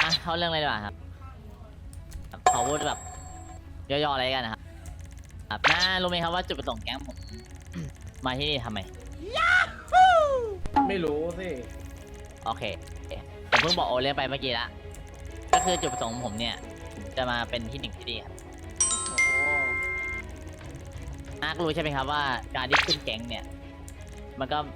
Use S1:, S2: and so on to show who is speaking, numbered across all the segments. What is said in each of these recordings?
S1: เข้าเรื่องเลยดีกว่าครับขอพูดแบบย่อๆอะไรกันนะครับน้ารู้ไหมครับว่าจุดประสงค์แก๊งผม มาที่นี่ทำไม
S2: ไม่รู้สิ
S1: โอเคผมเพิ่งบอกโอเลี้ยงไปเมื่อกี้ละก็คือจุดประสงค์ของผมเนี่ยจะมาเป็นที่หนึ่งที่ดีครับน้าก็รู้ใช่ไหมครับว่าการที่ขึ้นแก๊งเนี่ยมันก็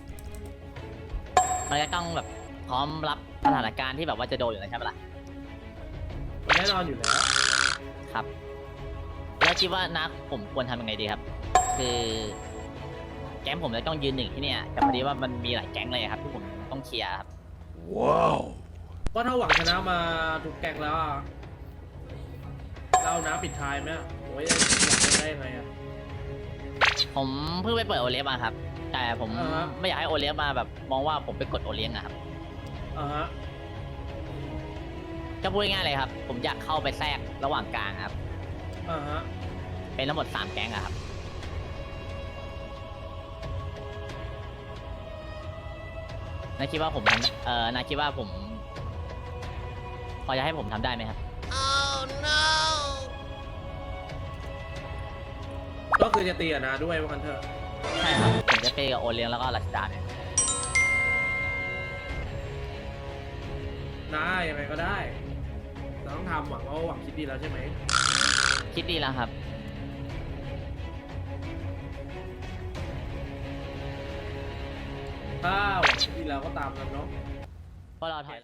S1: ต้องแบบพร้อมรับสถานการณ์ที่แบบว่าจะโดนอยู่แล้วใช่ไหมล่ะ
S2: แน่นอนอยู่แล้ว
S1: ครับแล้วคิดว่านักผมควรทำยังไงดีครับ คือแก๊งผมจะต้องยืนหนึ่งที่เนี่ยแต่พอดีว่ามันมีหลายแก๊งเลยครับที่ผมต้องเคลียร์ครับ
S3: ว้าว
S2: ก็ถ้าหวังชนะมาทุกแกงแล้วอะเราน้ำปิดท้ายไหมโอ้ยหวังได้ยังไงอะ
S1: ผมเพิ่งไปเปิดโอเลี้ยงมาครับ แต่ผม
S2: อ่าฮะ
S1: ไม่อยากให้โอเลี้ยงมาแบบมองว่าผมไปกดโอเลี้ยงอะครับ
S2: ฮะ
S1: ก็พูดง่ายๆเลยครับ ผมอยากเข้าไปแทรกระหว่างกลางครับ
S2: ฮะ
S1: เป็นทั้งหมด3แก๊งอะครับนายคิดว่าผมทำนายคิดว่าผม พอจะให้ผมทำได้ไหมครับ
S2: ก็คือจะตีอะนะด้วยว่ากันเถอะ
S1: ใช่ครับผมจะเปย์กับโอเลี้ยงแล้วก็รัชดาเนี่ย
S2: นะยังไงก็ได้เราต้องทำหวังว่าหวังคิดดีแล้วใช่ไหม
S1: คิดดีแล้วครับ
S2: ถ้าหวังคิดดีแล้วก็ตามกันเนาะ
S1: เพราะเราถอย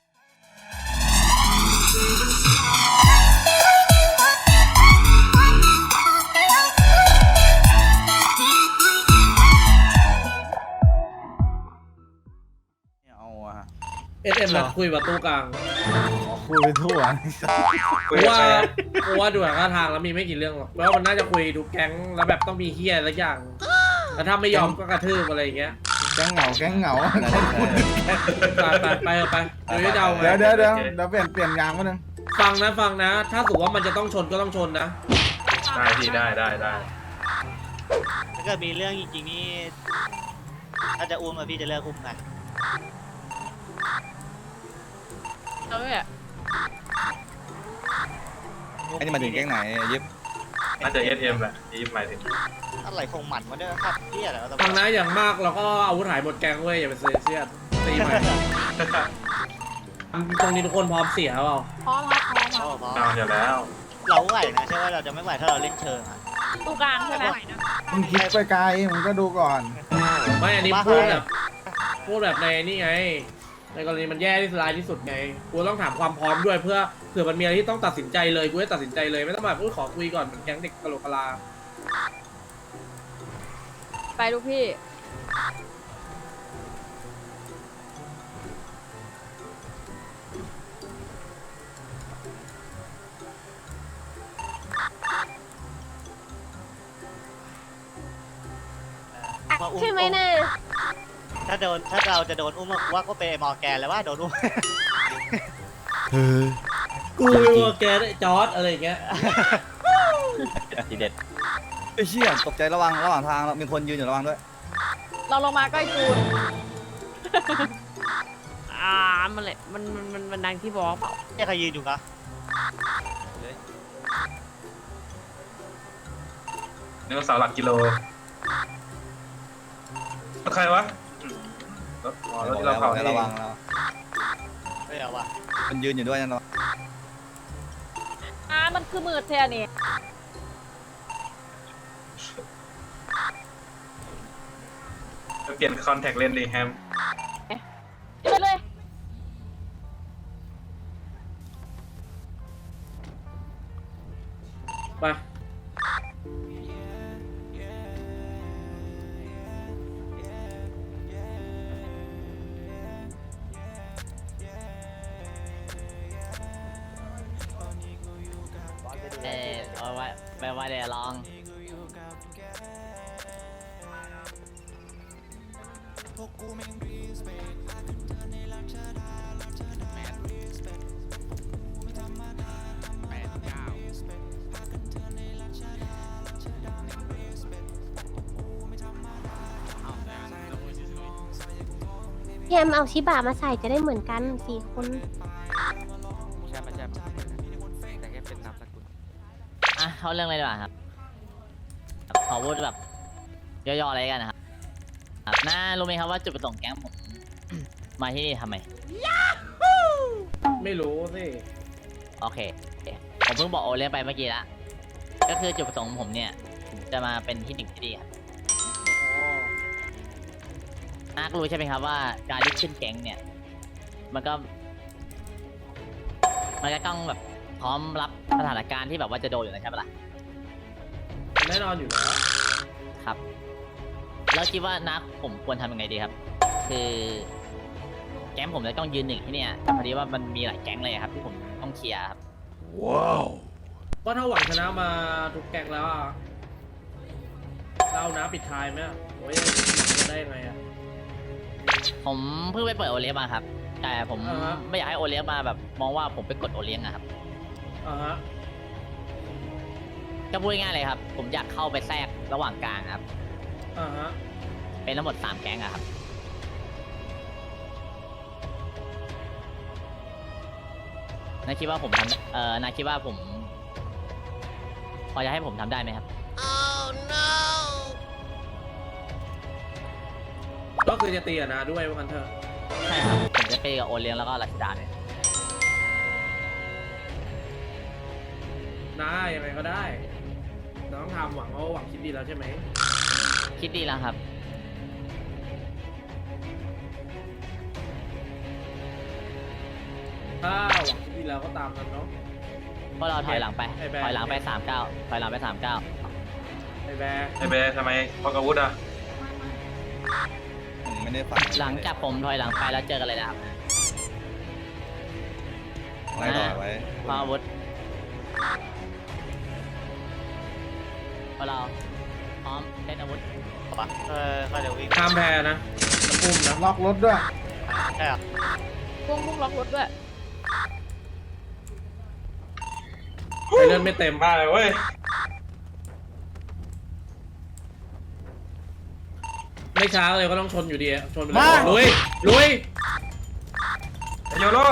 S3: เอาอะ
S2: SM นัดคุยประตูกลาง
S3: คุยไปทั่ว
S2: กูว่าดูท่าทางแล้วมีไม่กี่เรื่องหรอกแล้วมันน่าจะคุยทุกแก๊งแล้วแบบต้องมีเฮียอะไรอย่างแล้วถ้าไม่ยอมก็กระทืบอะไรอย่างเงี้ย
S3: แก๊งเหงา
S2: ไปเดี๋ยวจะเดาไง
S3: เดี๋ยวเปลี่ยนยางมาหนึ่ง
S2: ฟังนะ ถ้าสมมติว่ามันจะต้องชนก็ต้องชนนะ
S4: ได้พี่ได้
S5: ถ้าเกิดมีเรื่องจริงๆนี่ถ้าจะอุ้มอะพี่จะเลิกอุ้มไง
S6: เอาเลยอ่ะ
S7: อันนี้มาถึงแก๊งไหนยิบ
S4: น่าจะ SM แหละที่หมายถึง
S5: อะไรคงหมันมาด้วยครับพี่อะไรก็ต้อง
S2: ฟังนะอย่างมากเราก็อาวุธหายหมดแกงเว้ยอย่าไปเสียเสียดตีใหม่ตรงนี้ทุกคนพร้อมเสียเปล่า
S6: พร้อมครับพร้อมค
S5: โอ้
S6: รับ
S5: พอ
S4: นอนอยู่แล้ว
S5: เราไหวนะใช่ว่าเราจะไม่ไหวถ้าเราเล่นเชิงอะ
S6: ตู้กลางใช่ไหม
S3: มึงคิดไปไกลมึงก็ดูก่อน
S2: ไม่อันนี้พูดแบบในนี่ไง ในกรณีมันแย่ที่สุดร้ายที่สุดไงกูต้องถามความพร้อมด้วยเพื่อเผื่อมันมีอะไรที่ต้องตัดสินใจเลยกูจะตัดสินใจเลยไม่ต้องแบบขอคุยก่อนเหมือนแก๊งเด็กกะโหลกกะลา
S6: ไปลูกพี่ใช่ไหมน่ะ
S5: ถ้าเราจะโดนอุ้มว่าก็เป็นไอ้มอร์แกนแล้วว่าโดนอุ้ม
S2: กูว่าแกได้จอร์ดอะไรอย่างเงี้ย
S1: ทีเด็ด
S7: ไอ้เชี่ยตกใจระหว่างทางมีคนยืนอยู่ระวังด้วย
S6: เราลงมาใกล้จูน มันเลยมันดังที่บอกเปล่า
S5: เนี่ยใครยืนอยู่คะ
S4: นึกว่าเสาหลักกิโลรถใครวะรถที่เราเผานี่
S7: ระวังแล้ว
S5: ไม่เอาว่ะ
S7: มันยืนอยู่ด้วยนั่นระวัง
S6: มันคือมือเทนี่
S4: เปลี่ยนคอนแทคเลนส์ดีแฮม
S6: ไปเลย
S2: ไป
S1: เอาไว้ไปเดี๋ยวลอง
S8: แยมเอาชิบะมาใส่จะได้เหมือนกัน4 คนช่ไม่ใช่แต่แค่เป็นนามสกุล
S1: อ่ะเข้าเรื่องเลยดีกว่าครับขอพูดแบบย่อๆอะไรกันนะครับน้ารู้ไหมครับว่าจุดประสงค์แก๊งผม มาที่นี่ทำไม
S2: ไม่รู้สิ
S1: โอเค ผมเพิ่งบอกโอเลี้ยงไปเมื่อกี้ละก็คือจุดประสงค์ของผมเนี่ยผมจะมาเป็นที่หนึ่งที่ดีครับน้าก็รู้ใช่ไหมครับว่าการที่ขึ้นแก๊งเนี่ย มันก็ต้องแบบพร้อมรับสถานการณ์ที่แบบว่าจะโดนอยู่แล้วใช่ปะล่ะ
S2: แน่นอนอยู่แล้ว
S1: ครับ แล้วคิดว่านักผมควรทำยังไงดีครับ คือแก๊งผมจะต้องยืนหนึ่งที่เนี่ยแต่พอดีว่ามันมีหลายแก๊งเลยครับที่ผมต้องเคลียร์ครับ
S2: ก็ถ้าหวังชนะมาทุกแกงแล้วอะเรานะปิดท้ายไหมอะโอ้ยจะได้ยังไงอะ
S1: ผมเพิ่งไปเปิดโอเลี้ยงมาครับ แต่ผม
S2: อ่าฮะ
S1: ไม่อยากให้โอเลี้ยงมาแบบมองว่าผมไปกดโอเลี้ยงอะครับ
S2: อ่าฮะ
S1: ก็พูดง่ายๆเลยครับ ผมอยากเข้าไปแทรกระหว่างกลางครับ
S2: อ่าฮะ
S1: เป็นทั้งหมด3แก๊งอะครับนายคิดว่าผมทำนายคิดว่าผม พอจะให้ผมทำได้ไหมครับ
S2: ก็คือจะตีอะนะด้วยว่ากันเถอะ
S1: ใช่ครับ ผมจะไปกับโอเลี้ยงแล้วก็รัชดาเนี่ย
S2: นะยังไงก็ได้เราต้องทำหวังว่าหวังคิดดีแล้วใช่ไหม
S1: คิดดีแล้วครับ
S2: ถ้าหวังคิดดีแล้วก็ตามนั้นเนาะ
S1: เพราะเราถอยหลังไป
S2: ไอ้แบร์
S1: ถอยหลังไป39ถอยหลังไป39
S2: ไอ้แบร์
S4: ไอเบย์ทำไมพกอาวุธอ่ะ
S7: ไม่ได้ฟัง
S1: หลังจากผมถอยหลังไปแล้วเจอกันเลยนะครับ
S7: ไล่ต่อไว้
S1: พาอาวุธพอเราพร้อมเล่นอาวุธ
S5: ก็เดี๋ยววิ่ง
S2: ข้ามแพนะจะปุ่มนะ
S3: ล็อกรถด้วย
S5: ใช่เหรอ
S6: พวกมุกล็อกรถด้วย
S2: ไปเลื่อนไม่เต็ม
S4: มาเลยเว้ย
S2: ไม่ช้าเลยก็ต้องชนอยู่ดีอะชนไปเลยลุยลุย
S4: ไอโยโร่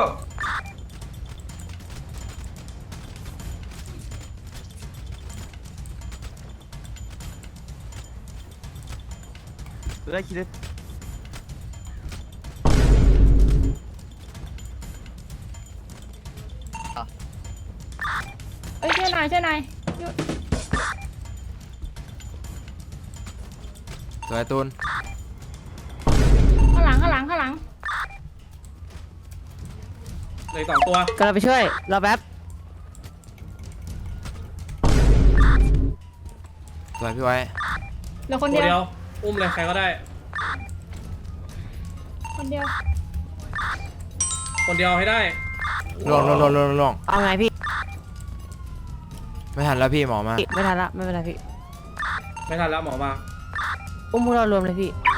S8: ได้คิดได้
S6: เอ้ยช่วยหน่อยช่วยหน่อย
S8: สวยตูน
S6: ข้างหลังข้างหลังข้างหลัง
S2: เลย2 ตัว
S6: กำลังไปช่วยรอแป๊บ
S8: สวยพี่ไว้
S6: เหลือคน
S2: ตัว
S6: เดียว
S2: เดียวอุ้มเลยใครก็ได้
S6: คนเดียว
S2: คนเดียวให้ได้
S8: ล่วง
S6: เอาไงพี่
S8: ไม่ทันแล้วพี่หมอมา
S6: ไม่ทันละไม่เป็นไรพี่
S2: ไม่ทันแล้วหมอมา
S6: อุ้มพวกเรารวมเลยพี่